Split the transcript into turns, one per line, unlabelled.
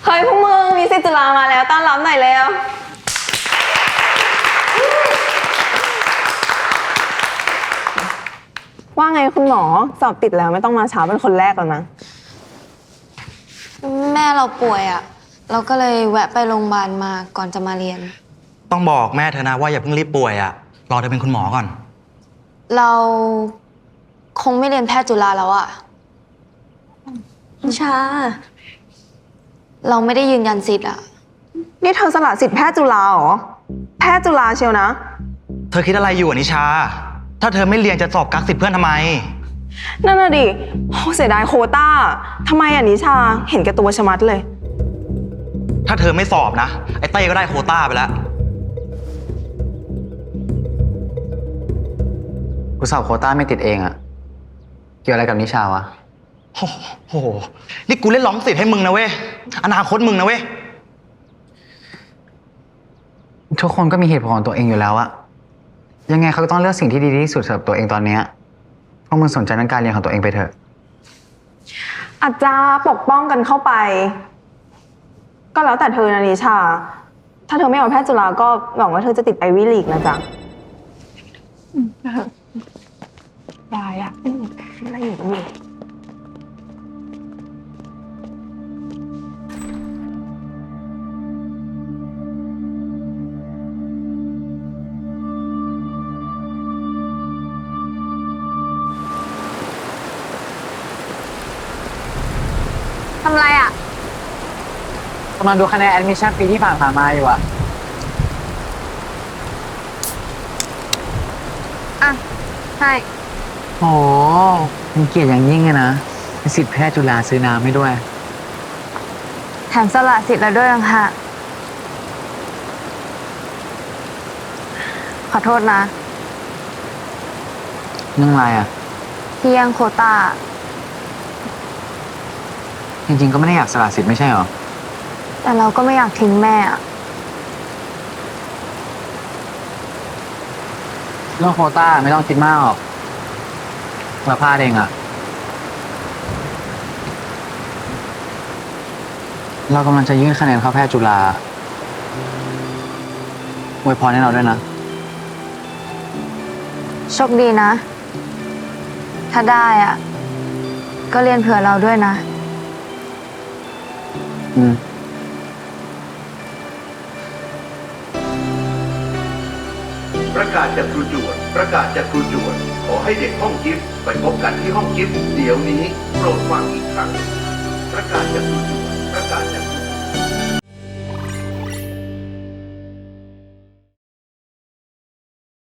เฮ้ยพวกมึงมีสิทธิ์จุฬามาแล้วต้อนรับหน่อยเร็วว่าไงคุณหมอสอบติดแล้วไม่ต้องมาเช้าเป็นคนแรกแล้วนะ
แม่เราป่วยอ่ะเราก็เลยแวะไปโรงพยาบาลมาก่อนจะมาเรียน
ต้องบอกแม่เธอนะว่าอย่าเพิ่งรีบป่วยอ่ะรอเธอเป็นคุณหมอก่อน
เราคงไม่เรียนแพทย์จุฬาแล้วอ่ะ
นิชา
เราไม่ได้ยืนยันสิทธิ์อ่ะ
นี่เธอสละสิทธิ์แพทย์จุฬาเหรอแพทย์จุฬาเชียวนะ
เธอคิดอะไรอยู่นิชาถ้าเธอไม่เรียนจะสอบกักสิทธิ์เพื่อนทำไม
นั่นน่ะดิเสียดายโควต้าทำไมนิชาเห็นแก่ตัวชะมัดเลย
ถ้าเธอไม่สอบนะไอ้เต้ก็ได้โควต้าไปแล้ว
กูสอบโควต้าไม่ติดเองอะเกี่ยวอะไรกับนิชาวะ
โอ้โหนี่กูเล่นร้องสิทธิ์ให้มึงนะเว้ยอนาคตมึงนะเว้ย
ทุกคนก็มีเหตุผลของตัวเองอยู่แล้วอะยังไงเขาก็ต้องเลือกสิ่งที่ดีที่สุดสำหรับตัวเองตอนนี้พวกมึงสนใจในการเรียนของตัวเองไปเถอะ
อาจจะปกป้องกันเข้าไปก็แล้วแต่เธอนะนิชาถ้าเธอไม่เอาแพทย์จุฬาก็หวังว่าเธอจะติดไอวี่ลีกนะจ๊ะได้อะอะไรอยู่นี่
ทำไรอ่ะ
กำลังดูคะแนนแอดมิชชั่นปีที่ผ่านมาอยู่อะ
อ่ะใช่
โอ้เป็นเกียรติอย่างยิ่งเลยนะเป็นสิทธิ์แพทย์จุฬาซื้อน้ำให้ด้วย
แถมสละสิทธิ์แล้วด้วยนะค่ะขอโทษนะ
เรื่องอะไรอะ
ที่ยังโควต้า
จริงๆก็ไม่ได้อยากสละสิทธิ์ไม่ใช่หรอ
แต่เราก็ไม่อยากทิ้งแม่อะ
เรื่องโควต้าไม่ต้องคิดมากหรอกเราพลาดเองอะเรากำลังจะยื่นคะแนนเข้าแพทย์จุฬาอวยพรให้เราด้วยนะ
โชคดีนะถ้าได้อ่ะก็เรียนเผื่อเราด้วยนะ
ประกาศจากครูจวนประกาศจากครูจวนขอให้เด็กห้องกิฟต์ไปพบกันที่ห้องกิฟต์เดี๋ยวนี้โปรดฟังอีกครั้งประกาศจากครูจวน